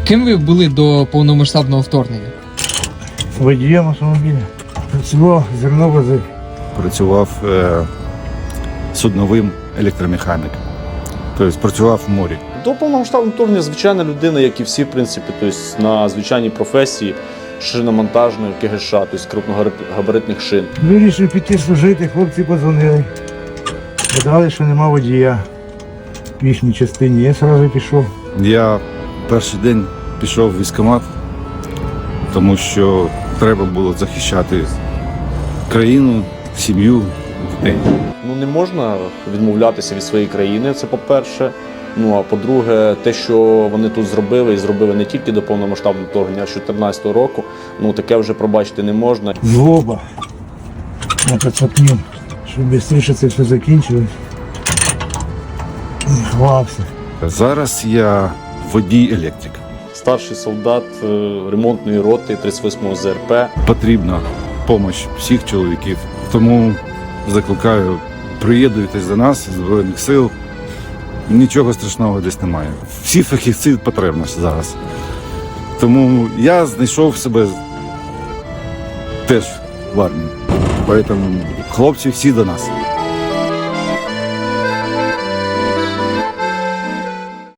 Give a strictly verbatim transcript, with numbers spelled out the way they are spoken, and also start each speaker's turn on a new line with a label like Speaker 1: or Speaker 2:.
Speaker 1: Ким ви були до повномасштабного вторгнення?
Speaker 2: Водієм автомобіля. Працював зерновози.
Speaker 3: Працював е, судновим електромеханіком. Тобто працював в морі.
Speaker 4: До повномасштабного вторгнення звичайна людина, як і всі, в принципі, тобто на звичайній професії шиномонтажної КГШ, тобто крупногабаритних шин.
Speaker 2: Вирішив піти служити, хлопці подзвонили. Сказали, що нема водія в їхній частині. Я одразу пішов.
Speaker 3: Я перший день пішов в військкомат, тому що треба було захищати країну, сім'ю, дітей.
Speaker 4: Ну не можна відмовлятися від своєї країни, це по-перше. Ну а по-друге, те, що вони тут зробили, і зробили не тільки до повномасштабного вторгнення, а з чотирнадцятого року, ну таке вже пробачити не можна.
Speaker 2: Злоба на пацапню, щоб швидше це все закінчилось. Хвався.
Speaker 3: Зараз я водій-електрик.
Speaker 4: Старший солдат е, ремонтної роти тридцять восьмого зе ер пе.
Speaker 3: Потрібна допомога всіх чоловіків. Тому закликаю, приєднуйтесь до нас, Збройних сил. Нічого страшного десь немає. Всі фахівці потрібні зараз. Тому я знайшов себе теж в армії. Тому хлопці всі до нас.